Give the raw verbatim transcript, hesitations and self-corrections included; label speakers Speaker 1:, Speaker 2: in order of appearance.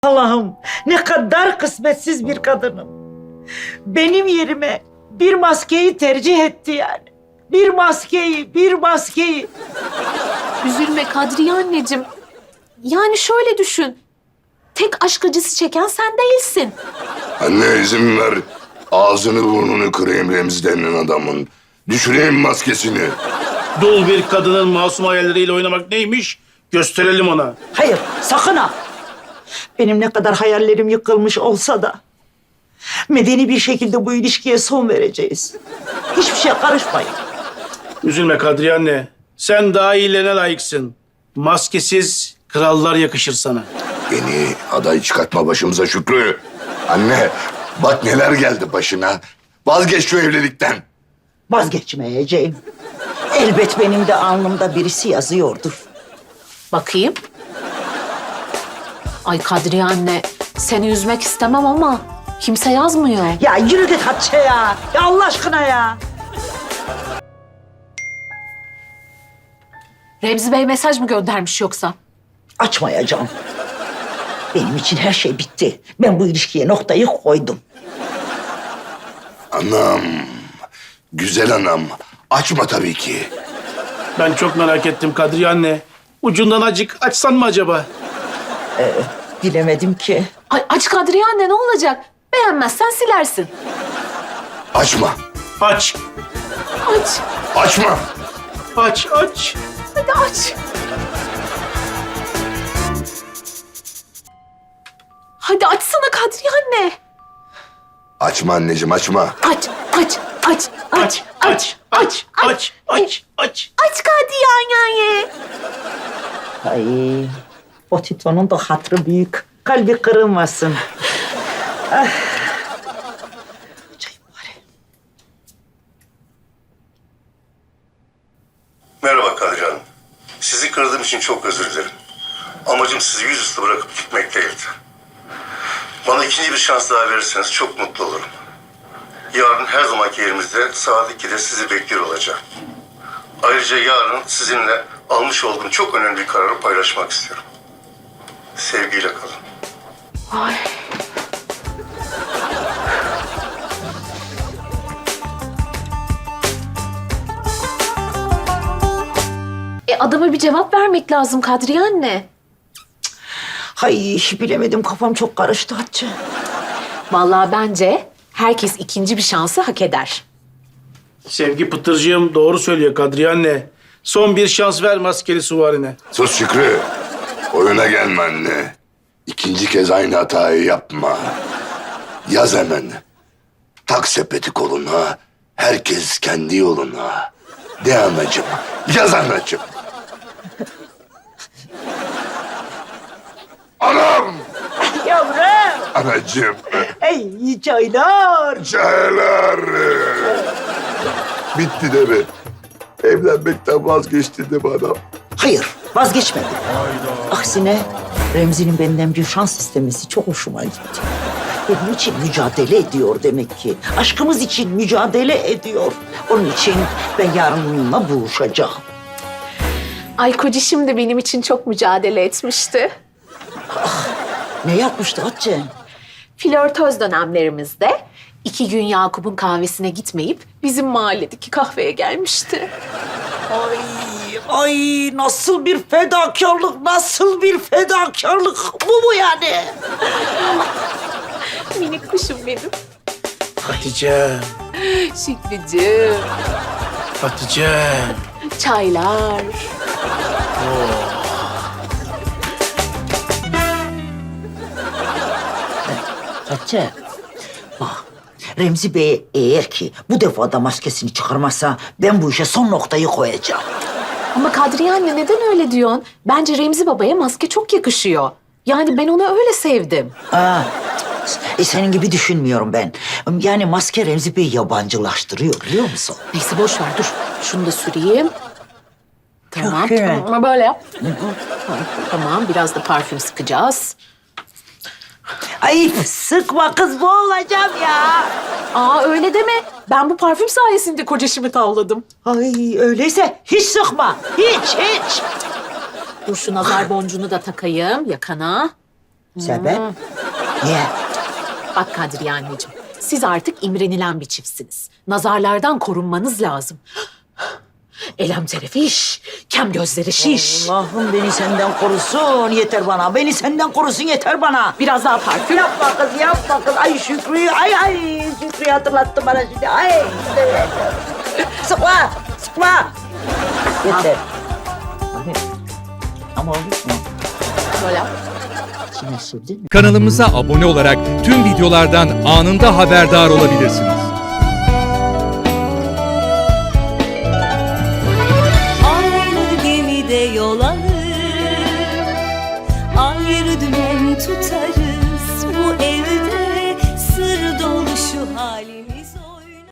Speaker 1: Allah'ım ne kadar kısmetsiz bir kadınım. Benim yerime bir maskeyi tercih etti yani. Bir maskeyi, bir maskeyi.
Speaker 2: Üzülme Kadriye anneciğim. Yani şöyle düşün. Tek aşk acısı çeken sen değilsin.
Speaker 3: Anne izin ver. Ağzını burnunu kırayım Remzi denilen adamın. Düşüreyim maskesini.
Speaker 4: Dul bir kadının masum hayalleriyle oynamak neymiş? Gösterelim ona.
Speaker 1: Hayır, sakın ha. Benim ne kadar hayallerim yıkılmış olsa da medeni bir şekilde bu ilişkiye son vereceğiz. Hiçbir şeye karışmayın.
Speaker 4: Üzülme Kadriye anne. Sen daha iyilerine layıksın. Maskesiz krallar yakışır sana.
Speaker 3: Beni aday çıkartma başımıza Şükrü. Anne bak neler geldi başına. Vazgeç şu evlilikten.
Speaker 1: Vazgeçmeyeceğim. Elbet benim de alnımda birisi yazıyordur.
Speaker 2: Bakayım. Ay Kadriye anne, seni üzmek istemem ama kimse yazmıyor.
Speaker 1: Ya yürü git Hatice ya. Ya Allah aşkına ya.
Speaker 2: Remzi Bey mesaj mı göndermiş yoksa?
Speaker 1: Açmayacağım. Benim için her şey bitti. Ben bu ilişkiye noktayı koydum.
Speaker 3: Anam. Güzel anam. Açma tabii ki.
Speaker 4: Ben çok merak ettim Kadriye anne. Ucundan acık açsan mı acaba?
Speaker 1: Bilemedim ki.
Speaker 2: Ay aç Kadriye anne, ne olacak? Beğenmezsen silersin.
Speaker 3: Açma.
Speaker 4: Aç.
Speaker 2: Aç.
Speaker 3: Açma.
Speaker 4: Aç, aç.
Speaker 2: Hadi aç. Hadi açsana Kadriye anne.
Speaker 3: Açma anneciğim açma.
Speaker 2: Aç, aç, aç, aç,
Speaker 4: Aç, aç, aç, aç, aç.
Speaker 2: Aç Kadriye anne.
Speaker 1: Ay, o Tito'nun da hatırı büyük. Kalbi kırılmasın. Ah. Çayım bari.
Speaker 5: Merhaba Kadriye Hanım. Sizi kırdığım için çok özür dilerim. Amacım sizi yüzüstü bırakıp gitmek değildi. Bana ikinci bir şans daha verirseniz çok mutlu olurum. Yarın her zamanki yerimizde saat ikide sizi bekliyor olacağım. Ayrıca yarın sizinle almış olduğum çok önemli bir kararı paylaşmak istiyorum. Sevgiyle kalın.
Speaker 2: Ay. E adama bir cevap vermek lazım Kadriye anne.
Speaker 1: Hay bilemedim, kafam çok karıştı Hatice.
Speaker 2: Vallahi bence herkes ikinci bir şansı hak eder.
Speaker 4: Sevgi Pıtırcığım doğru söylüyor Kadriye anne. Son bir şans ver maskeli suvarine.
Speaker 3: Sus Şükrü. Oyuna gelme anne. İkinci kez aynı hatayı yapma. Yaz hemen. Tak sepeti koluna. Herkes kendi yoluna. De anacığım. Yaz anacığım. Anam!
Speaker 1: Yavrum.
Speaker 3: Anacığım.
Speaker 1: Ey çaylar.
Speaker 3: Çaylar. Bitti de mi? Evlenmekten vazgeçtin de bana.
Speaker 1: Hayır, vazgeçmedim. Aksine Remzi'nin benden bir şans istemesi çok hoşuma gitti. Benim için mücadele ediyor demek ki. Aşkımız için mücadele ediyor. Onun için ben yarın onunla buluşacağım.
Speaker 2: Ay kocişim de benim için çok mücadele etmişti.
Speaker 1: Ne yapmıştı Hatice?
Speaker 2: Flörtöz dönemlerimizde iki gün Yakup'un kahvesine gitmeyip bizim mahalledeki kahveye gelmişti.
Speaker 1: Ay, ay nasıl bir fedakarlık, nasıl bir fedakarlık. Bu mu yani?
Speaker 2: Minik kuşum benim.
Speaker 4: Hatice,
Speaker 2: Şükrücüğüm.
Speaker 4: Hatice.
Speaker 2: Çaylar.
Speaker 1: Hatice, bak Remzi Bey eğer ki bu defa da maskesini çıkarmazsa ben bu işe son noktayı koyacağım.
Speaker 2: Ama Kadriye anne neden öyle diyorsun? Bence Remzi babaya maske çok yakışıyor. Yani ben onu öyle sevdim.
Speaker 1: Aa, e, senin gibi düşünmüyorum ben. Yani maske Remzi Bey'i yabancılaştırıyor biliyor musun?
Speaker 2: Neyse boş ver dur. Şunu da süreyim. Tamam.
Speaker 1: iyi.
Speaker 2: Tamam ama böyle yap. Tamam biraz da parfüm sıkacağız.
Speaker 1: Ay sıkma kız, boğulacağım ya.
Speaker 2: Aa öyle deme. Ben bu parfüm sayesinde kocacığımı tavladım.
Speaker 1: Ay öyleyse hiç sıkma. Hiç hiç.
Speaker 2: Dur şu nazar boncuğunu da takayım yakana.
Speaker 1: Sebep? Niye?
Speaker 2: Bak Kadriye anneciğim, siz artık imrenilen bir çiftsiniz. Nazarlardan korunmanız lazım. Elem terefiş, kem gözleri şiş.
Speaker 1: Allah'ım beni senden korusun yeter bana. Beni senden korusun yeter bana.
Speaker 2: Biraz daha parfüm.
Speaker 1: Yapma kız yapma kız. Ay Şükrü'yü ay ay Şükrü'yü hatırlattı bana şimdi. Ay. Sıkma sıkma. Yeter. Abi, ama olur mu?
Speaker 2: Böyle.
Speaker 1: İçine sürdün mü?
Speaker 6: Kanalımıza abone olarak tüm videolardan anında haberdar olabilirsiniz.
Speaker 7: Aynı gemide yol alır, ayrı dümen tutarız bu evde.